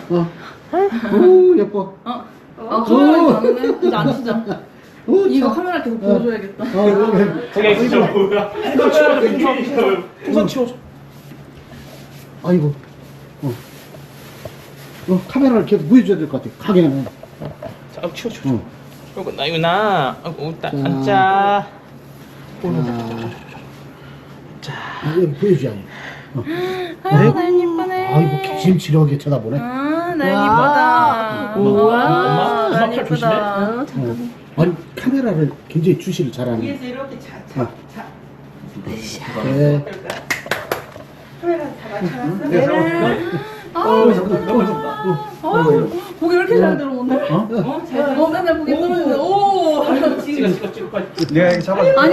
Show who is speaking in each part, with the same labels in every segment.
Speaker 1: 오, 예뻐.
Speaker 2: 카메라 가능해? 이제 안 쓰자.
Speaker 1: 오,
Speaker 2: 이거
Speaker 1: 참.
Speaker 2: 카메라 계속 보여줘야겠다.
Speaker 3: 저게 진짜 뭐야? 풍선 치워줘.
Speaker 1: 아이고. 카메라를 계속 보여줘야 될 것 같아. 가게는.
Speaker 3: 자, 치워줘.
Speaker 1: 어.
Speaker 3: 그리고 나윤아,
Speaker 1: 자.
Speaker 3: 앉자.
Speaker 1: 여기 보여줘야 해.
Speaker 2: 나연 이쁘네.
Speaker 1: 아이고, 기침치려하게 쳐다보네.
Speaker 2: 나연 이쁘다.
Speaker 3: 엄마
Speaker 2: 나연
Speaker 3: 팔 조심해.
Speaker 2: 이쁘다.
Speaker 1: 아니, 카메라를 굉장히 주시를 잘하네.
Speaker 4: 위에서 이렇게
Speaker 1: 네.
Speaker 4: 카메라 다 맞춰놨어?
Speaker 2: 고기 왜 이렇게 잘 들어오네? 맨날 고기 떨어지는데. 오.
Speaker 3: 찍어 빨리.
Speaker 5: 내가 여기 잡아.
Speaker 2: 아니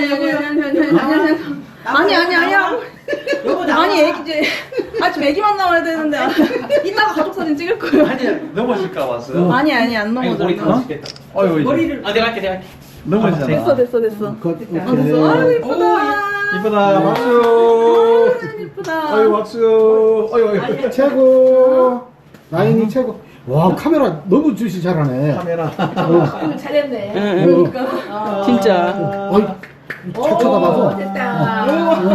Speaker 2: 애기 이제 아침 애기만 나와야 되는데 이따가 가족 사진 찍을 거예요.
Speaker 5: 넘어질까 봤어.
Speaker 2: 아니 안 넘어져.
Speaker 3: 머리 감아주겠다.
Speaker 4: 머리를
Speaker 3: 내가 할게.
Speaker 5: 넘어지잖아.
Speaker 2: 됐어.
Speaker 1: 됐어.
Speaker 2: 아유 이쁘다.
Speaker 5: 이쁘다. 박수.
Speaker 2: 이쁘다.
Speaker 5: 아유 박수. 아유.
Speaker 1: 최고. 나인이 최고. 와, 카메라 너무 주시 잘하네.
Speaker 5: 카메라.
Speaker 4: 잘했네.
Speaker 2: 그러니까.
Speaker 3: 진짜.
Speaker 1: 아이, 잘 쳐다봐서.
Speaker 4: 됐다.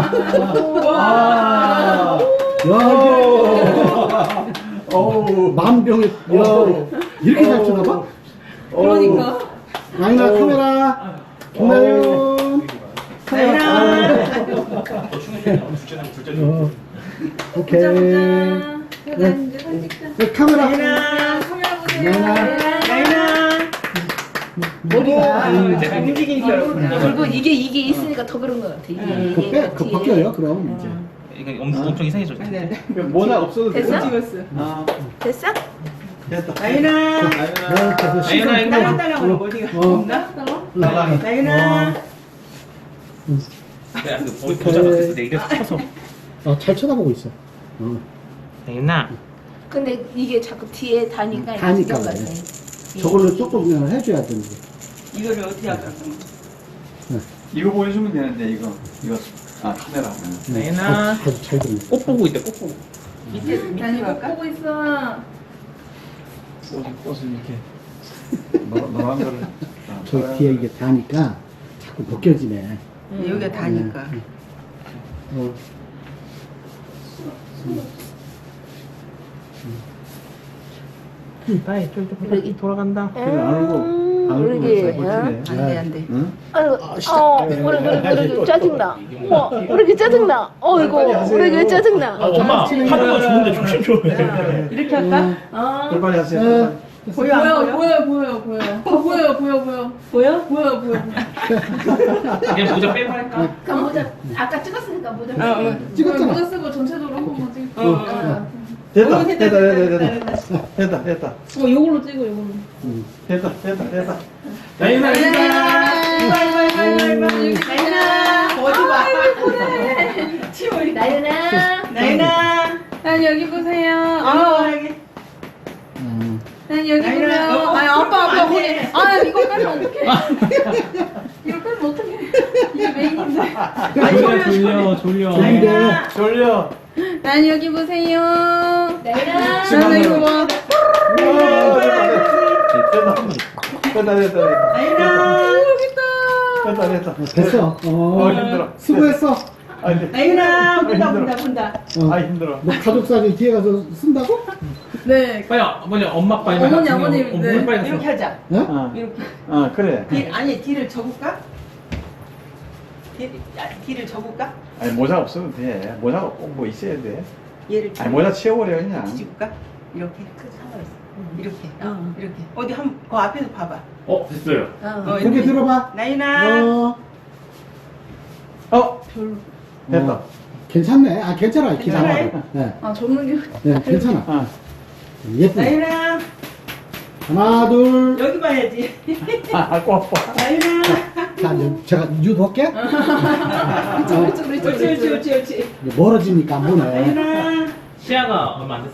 Speaker 5: 와.
Speaker 1: 야, 이게 만병의, 야, 이렇게 잘 쳐다봐?
Speaker 2: 그러니까.
Speaker 1: 나인아, 카메라. 김나윤. 오케이. 네, 카메라.
Speaker 2: 카메라 보세요.
Speaker 1: 나인아.
Speaker 4: 머리가 움직이니까
Speaker 6: 그리고 이게 있으니까 더 그런 것 같아. 이게
Speaker 1: 그거 벗겨요, 그럼. 이제.
Speaker 3: 이거 엄청 이상해졌어.
Speaker 5: 모자 없어도 돼.
Speaker 6: 됐어?
Speaker 4: 찍었어.
Speaker 6: 됐어?
Speaker 5: 됐다.
Speaker 4: 나윤아.
Speaker 1: 시선.
Speaker 3: 나윤아,
Speaker 4: 딸랑딸랑하는 어디가 없나?
Speaker 5: 나가.
Speaker 4: 나윤아.
Speaker 3: 내가 그 보자가 됐어. 내 이래서 쳐서.
Speaker 1: 잘 쳐다보고 있어.
Speaker 3: 나윤아.
Speaker 6: 근데 이게 자꾸 뒤에 다니까
Speaker 1: 다니까
Speaker 6: 신경
Speaker 1: 그래.
Speaker 6: 같아.
Speaker 1: 저걸로 조금 그냥 해줘야 되는데.
Speaker 4: 이거를 어떻게 할까?
Speaker 5: 이거 보여주면 되는데 이거. 카메라.
Speaker 3: 나윤아.
Speaker 1: 아주 잘 듣네.
Speaker 3: 꽃 보고 있대. 꽃 보고.
Speaker 4: 밑에
Speaker 2: 아니
Speaker 4: 할까?
Speaker 2: 보고 있어.
Speaker 5: 꽃을 이렇게 노란 거를.
Speaker 1: 저 뒤에 이게 다니까 자꾸 벗겨지네.
Speaker 4: 여기가 다니까.
Speaker 1: 어.
Speaker 3: 빨리 좀 돌아간다.
Speaker 5: 그래 안 울고 안 울고
Speaker 6: 그러게.
Speaker 5: 버티네.
Speaker 4: 안돼.
Speaker 5: 응?
Speaker 6: 그래 짜증나. 그러게 짜증나. 이거 그러게 짜증나.
Speaker 3: 엄마 하루가 좋은데 조심해.
Speaker 4: 이렇게 할까?
Speaker 5: 빨리 하세요.
Speaker 4: 보여 안 보여?
Speaker 2: 보여.
Speaker 3: 그냥 모자 빼고 할까?
Speaker 6: 그럼 모자 아까 찍었으니까 모자.
Speaker 1: 찍었잖아.
Speaker 2: 모자 쓰고 전체적으로 한 번만 찍을게.
Speaker 5: 됐다.
Speaker 2: 요걸로 찍어 요걸로.
Speaker 5: 됐다.
Speaker 3: 나윤아.
Speaker 4: 나윤아. 어디 봐. 치워.
Speaker 6: 나윤아.
Speaker 4: 나윤아.
Speaker 2: 난 여기 보세요.
Speaker 4: 아하게.
Speaker 2: 난 여기 보세요.
Speaker 4: 나윤아.
Speaker 2: 아니 아빠
Speaker 4: 안
Speaker 2: 머리.
Speaker 4: 돼.
Speaker 2: 이거 빼면 어떡해? 이거 빼면 어떡해? 이게 메인인데.
Speaker 3: 졸려.
Speaker 5: 졸려.
Speaker 2: 난 여기 보세요.
Speaker 6: 나윤아.
Speaker 2: 난 이거 봐.
Speaker 5: 됐다.
Speaker 4: 나윤아.
Speaker 5: 됐다.
Speaker 1: 됐어.
Speaker 5: 힘들어.
Speaker 1: 수고했어.
Speaker 4: 나윤아. 본다.
Speaker 5: 힘들어.
Speaker 1: 너 가족 사진 뒤에 가서 쓴다고?
Speaker 2: 네.
Speaker 3: 빨리 엄마 아빠
Speaker 2: 어머니, 네.
Speaker 3: 물 빨리
Speaker 4: 이렇게
Speaker 3: 가서.
Speaker 4: 하자.
Speaker 1: 어?
Speaker 4: 이렇게.
Speaker 5: 그래.
Speaker 4: 아니 뒤를 접을까? 뒤를 접을까?
Speaker 5: 아니 모자 없어도 돼. 모자가 꼭 뭐 있어야 돼.
Speaker 4: 얘를
Speaker 5: 아니 모자 치워버려 그냥.
Speaker 4: 뒤집을까? 이렇게. 이렇게. 이렇게. 어디 그 앞에서 봐봐.
Speaker 3: 됐어요.
Speaker 1: 고개 들어봐.
Speaker 4: 나윤아.
Speaker 5: 됐다.
Speaker 1: 괜찮네. 괜찮아. 기사
Speaker 4: 괜찮아요?
Speaker 1: 봐도. 네.
Speaker 2: 접는 게.
Speaker 1: 네, 괜찮아. 예쁘네.
Speaker 4: 나윤아.
Speaker 1: 하나, 둘.
Speaker 4: 여기 봐야지.
Speaker 5: 꼭 봐.
Speaker 4: 나윤아.
Speaker 1: 자, 이제 제가 유도할게.
Speaker 4: 옳지.
Speaker 1: 멀어지니까 안 보네.
Speaker 4: 나윤아.
Speaker 3: 시야가 얼마 안 됐어.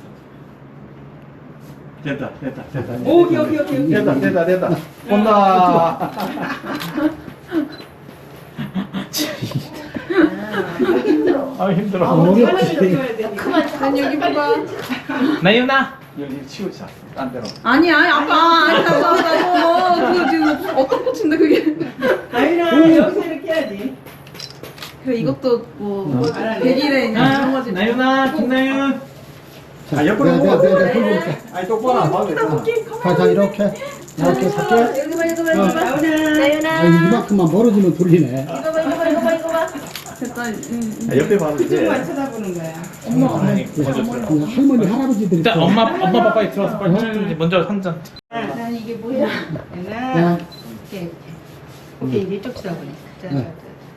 Speaker 5: 됐다.
Speaker 4: 오케이.
Speaker 5: 됐다. 본다. 힘들어.
Speaker 1: 어렵지.
Speaker 6: 그만.
Speaker 2: 난 여기 봐봐.
Speaker 3: 나윤아.
Speaker 5: 여기 치우자. 딴 데로.
Speaker 2: 아니야, 아빠. 아니라고. 그거 지금 어떤 꽃인데, 그게.
Speaker 4: 나윤아 여기서 이렇게 해야지.
Speaker 2: 그래, 이것도 뭐, 100일에 이런 거지.
Speaker 3: 나윤아, 김나윤.
Speaker 5: 아, 옆으로
Speaker 1: 내가
Speaker 5: 보고.
Speaker 1: 들고 올게.
Speaker 5: 아니, 똑바로 안 봐도 되잖아.
Speaker 1: 자, 이렇게 살게.
Speaker 2: 여기 봐, 이거 봐, 이거 봐.
Speaker 4: 나윤아.
Speaker 1: 아, 이만큼만 멀어지면 돌리네.
Speaker 2: 이거 봐, 이거 봐, 이거 봐, 이거 봐. 됐다.
Speaker 5: 아, 옆에 봐도 돼.
Speaker 4: 그쪽만 쳐다보는 거야.
Speaker 3: 아니, 먼저 들어.
Speaker 1: 그 할머니, 할아버지들이.
Speaker 3: 일단
Speaker 1: 또-
Speaker 3: 엄마 빨리 들어와서 빨리 찍든지 먼저 한 잔.
Speaker 2: 난 이게 뭐야?
Speaker 4: 나윤아.
Speaker 1: 야,
Speaker 4: 오케이. 오케이 이제 이쪽 쳐다보네. 자,
Speaker 1: 네.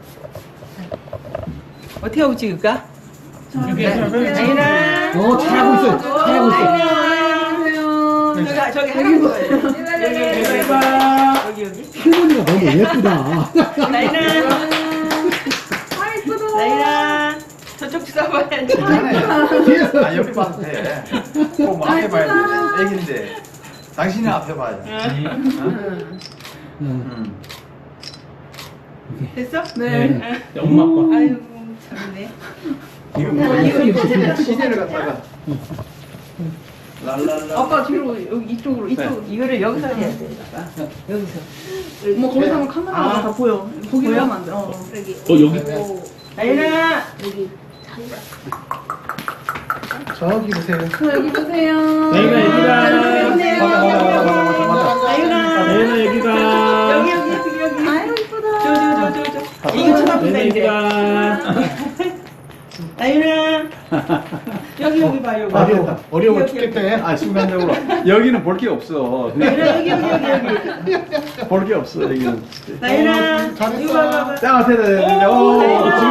Speaker 4: 어떻게 하고 찍을까?
Speaker 3: 여기
Speaker 4: 나윤아.
Speaker 1: 잘하고 있어. 잘하고 있어.
Speaker 2: 안녕하세요.
Speaker 4: 저기 하는 거예요. 여기 여기.
Speaker 1: 할머니가 너무 예쁘다.
Speaker 4: 나윤아.
Speaker 2: 아, 이쁘다.
Speaker 4: 나윤아. 저쪽 쳐다봐야지.
Speaker 1: 뒤에서.
Speaker 5: 아, 옆에 봐도 돼. 꼭 앞에 봐야 돼. 애긴데. 당신이 앞에 봐야 돼.
Speaker 1: 응.
Speaker 4: 됐어?
Speaker 2: 네.
Speaker 3: 엄마 아빠.
Speaker 4: 아유 참네.
Speaker 5: 이거 뭐, 시대를 갖다가. 랄랄라.
Speaker 2: 아빠 뒤로, 여기 이쪽으로, 이쪽으로.
Speaker 4: 이거를 여기서 해야 돼. 여기서.
Speaker 2: 뭐, 거기서 하면 카메라가 다 보여. 거기로 하면 안 돼.
Speaker 3: 여기.
Speaker 4: 나윤아.
Speaker 5: 저기 보세요.
Speaker 2: 여기 보세요.
Speaker 3: 나윤아, 여기다.
Speaker 4: 나윤아.
Speaker 3: 여기다.
Speaker 4: 여기.
Speaker 2: 아유, 이쁘다.
Speaker 4: 저. 이거 쳐다본다
Speaker 3: 나윤아,
Speaker 4: 이제.
Speaker 3: 여기다.
Speaker 4: 나윤아. 여기 봐 여기.
Speaker 1: 어려워
Speaker 4: 여기,
Speaker 1: 죽겠대.
Speaker 5: 아, 순간적으로. 여기는 볼 게 없어.
Speaker 4: 나윤아 여기.
Speaker 5: 볼 게 없어, 여기는.
Speaker 4: 나윤아.
Speaker 1: 잘했어.
Speaker 4: 이거 봐봐.
Speaker 5: 자, 됐다.
Speaker 4: 오,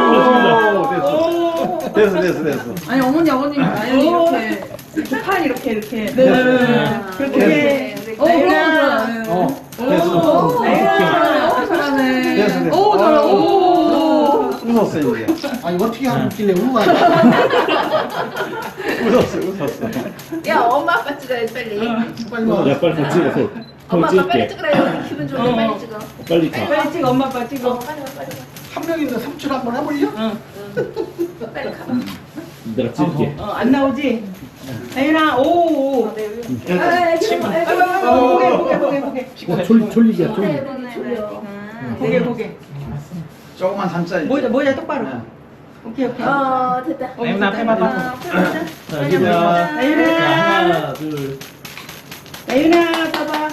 Speaker 5: 됐어.
Speaker 2: 아니, 어머니, 아버님, 나연이 이렇게.
Speaker 4: 팔 이렇게.
Speaker 2: 네.
Speaker 4: 그렇게. 나윤아.
Speaker 5: 됐어.
Speaker 2: 나윤아. 잘하네.
Speaker 5: 됐어.
Speaker 2: 오, 잘하. 오.
Speaker 5: 웃었어, 이제.
Speaker 1: 아니, 어떻게 하고 있길래 우와.
Speaker 5: 웃었어.
Speaker 6: 야 엄마 아빠 찍어야지 빨리.
Speaker 1: 빨리 와.
Speaker 3: 야, 빨리 다 찍어서.
Speaker 6: 엄마
Speaker 3: 형
Speaker 6: 아빠 빨리
Speaker 3: 찍을게.
Speaker 6: 찍으라. 기분 좋게 빨리 찍어.
Speaker 3: 빨리 가.
Speaker 4: 빨리 찍어 엄마 아빠 찍어.
Speaker 6: 빨리 와 빨리 와.
Speaker 1: 한 명인데 삼촌 한번 해볼려?
Speaker 6: 빨리 가봐.
Speaker 3: 내가 찍을게.
Speaker 4: 안 나오지? 나윤아. 오. 보게.
Speaker 1: 졸리게, 졸리.
Speaker 4: 보게.
Speaker 5: 조금만 삼자.
Speaker 4: 모자 똑바로. 오케이.
Speaker 6: 됐다.
Speaker 3: 나윤아, 앞에 봐봐. 자, 여기다.
Speaker 4: 나윤아.
Speaker 3: 자, 하나, 둘.
Speaker 4: 나윤아 봐봐.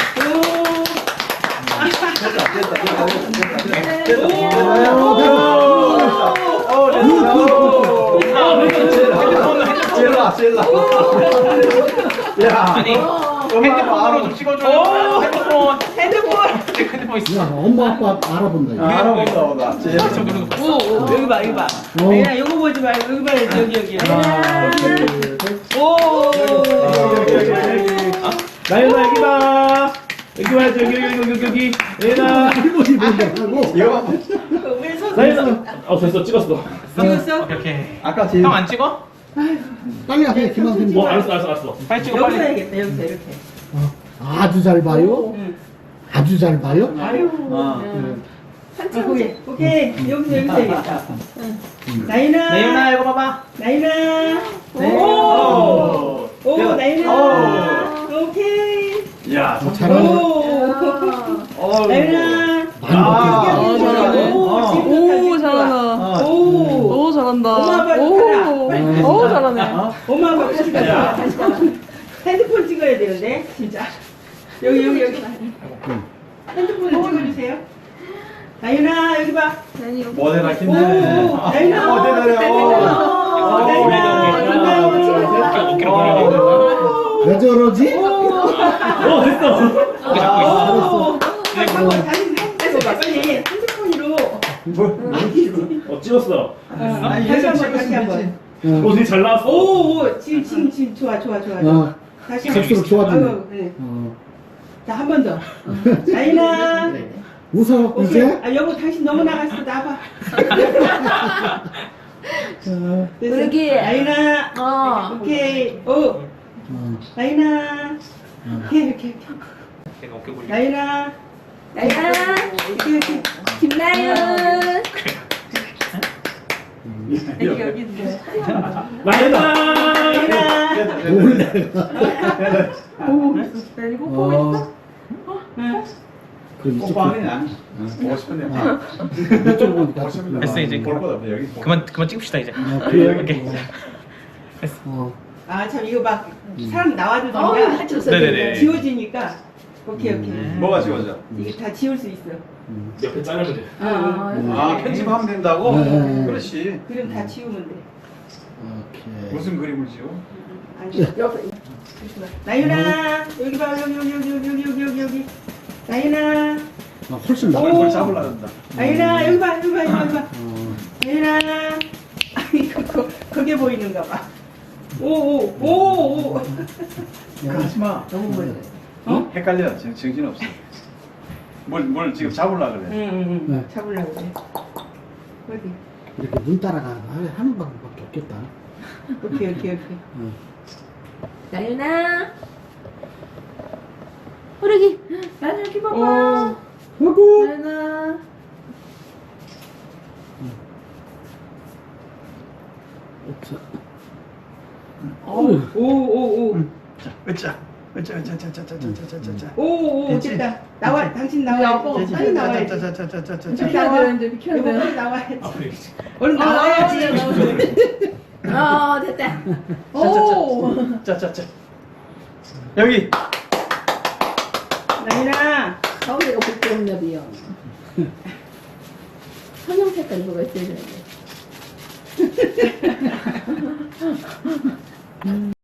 Speaker 5: 젤라. 야,
Speaker 3: 핸드폰으로 좀 찍어줘. 핸드폰 있어.
Speaker 1: 야, 엄마, 아빠 알아본다. 이거.
Speaker 5: 알아본다.
Speaker 4: 여기 봐.
Speaker 1: 어.
Speaker 4: 나윤아 이거 보지 말고 여기 봐야지 여기.
Speaker 1: 하나, 둘, 셋.
Speaker 4: 오.
Speaker 3: 나윤아, 여기 봐. 여기 봐야지. 여기. 나윤아.
Speaker 1: 할머니 본다고.
Speaker 5: 이거
Speaker 4: 우리 선.
Speaker 3: 나윤아. 됐어. 찍었어.
Speaker 4: 찍었어?
Speaker 3: 오케이.
Speaker 5: 아까 제일
Speaker 3: 형 안 찍어?
Speaker 1: 빨리 하세요, 김한kim.
Speaker 3: 알았어. 빨리 찍어,
Speaker 4: 여기서
Speaker 3: 빨리.
Speaker 4: 해야겠다. 여기서 이렇게.
Speaker 1: 아주 잘 봐요.
Speaker 4: 응.
Speaker 1: 아주 잘 봐요.
Speaker 4: 아유. 오케이. 여기서 해야겠다. 나윤아.
Speaker 3: 이거 봐봐.
Speaker 4: 나윤아.
Speaker 5: 오.
Speaker 4: 나윤아. 오케이.
Speaker 5: 야,
Speaker 1: 잘하네.
Speaker 4: 나윤아.
Speaker 1: 많이
Speaker 2: 잘하네. 오, 잘한다. 오, 잘한다.
Speaker 4: 엄마 아빠
Speaker 2: 오, 오, 잘하네.
Speaker 4: 엄마 아빠 같이 가자. 핸드폰 찍어야 되는데 진짜. 여기. 핸드폰 찍어주세요. 나윤아 여기 봐.
Speaker 5: 모델
Speaker 4: 오, 나윤아.
Speaker 1: 왜 저러지?
Speaker 3: 됐어.
Speaker 4: 빨리 핸드폰으로.
Speaker 3: 찍었어.
Speaker 4: 다시 한번.
Speaker 3: 되게 잘 나왔어.
Speaker 4: 오, 지금 좋아. 다시
Speaker 1: 갈수록 좋아지네.
Speaker 4: 아유, 그래.
Speaker 1: 어.
Speaker 4: 자, 한 번 더. 나윤아.
Speaker 1: 웃어,
Speaker 4: 오케이.
Speaker 1: 이제?
Speaker 4: 아, 여보 당신 너무 나갔어. 나봐.
Speaker 6: 여기.
Speaker 4: 나윤아. 오케이. 오. 나윤아. 오케이.
Speaker 3: 내가 어깨 굴리.
Speaker 4: 나윤아.
Speaker 6: 나야.
Speaker 4: 오케이.
Speaker 6: 김나연.
Speaker 2: 애기 여기 있는데.
Speaker 3: 나연아!
Speaker 2: 내리고 보고 있어?
Speaker 1: 그 이쪽
Speaker 5: 뽀뽀하네 난. 보고 싶은데.
Speaker 1: 이쪽 보니까
Speaker 5: 보고 싶은데.
Speaker 3: 됐어, 이제.
Speaker 5: 볼 것도 없어 여기.
Speaker 3: 그만 찍읍시다 이제.
Speaker 1: 그래요?
Speaker 3: 오케이.
Speaker 4: 아, 참, 이거 막, 사람
Speaker 6: 어우,
Speaker 4: 나와주던가,
Speaker 6: 하쳤어.
Speaker 3: 네네네.
Speaker 4: 지워지니까, 오케이, 오케이.
Speaker 5: 뭐가 지워져?
Speaker 4: 이게 다 지울 수 있어.
Speaker 3: 옆에 자르면 돼.
Speaker 5: 아 편집하면 된다고?
Speaker 1: 네.
Speaker 5: 그렇지.
Speaker 4: 그럼 다 지우면 돼.
Speaker 1: 오케이.
Speaker 5: 무슨 그림을 지워?
Speaker 4: 아니,
Speaker 6: 옆에.
Speaker 4: 나윤아, 여기 봐, 여기. 나윤아,
Speaker 1: 아, 훨씬 나.
Speaker 5: 그걸 잡으려고 한다.
Speaker 4: 나윤아, 여기 봐.
Speaker 1: 어.
Speaker 4: 나윤아. 아니, 그게 보이는가 봐. 오.
Speaker 5: 하지 마.
Speaker 6: 너무 멀리.
Speaker 5: 헷갈려. 정신 없어. 뭘 지금 잡으려고 그래.
Speaker 4: 응.
Speaker 1: 네.
Speaker 4: 잡으려고 그래. 어디?
Speaker 1: 이렇게 눈 따라가는 방법밖에 없겠다.
Speaker 4: 오케이.
Speaker 1: 응.
Speaker 6: 나윤아. 호르기.
Speaker 2: 나는 여기
Speaker 4: 오.
Speaker 2: 봐봐.
Speaker 1: 아이고.
Speaker 2: 나연아.
Speaker 1: 자.
Speaker 4: 오.
Speaker 5: 자, 으짜.
Speaker 4: 오, 됐다. 나와, 당신 나와야지. 빨리 나와야지.
Speaker 2: 비켜야 돼요, 이제 비켜야
Speaker 4: 여보,
Speaker 2: 돼요.
Speaker 4: 빨리 나와야지. 얼른 나와야지.
Speaker 6: 됐다.
Speaker 2: 오!
Speaker 5: 자자자. 여기.
Speaker 4: 나윤아.
Speaker 6: 가운데가 복도음엽이요. 선형 색깔 뭐가 있어야 되는데.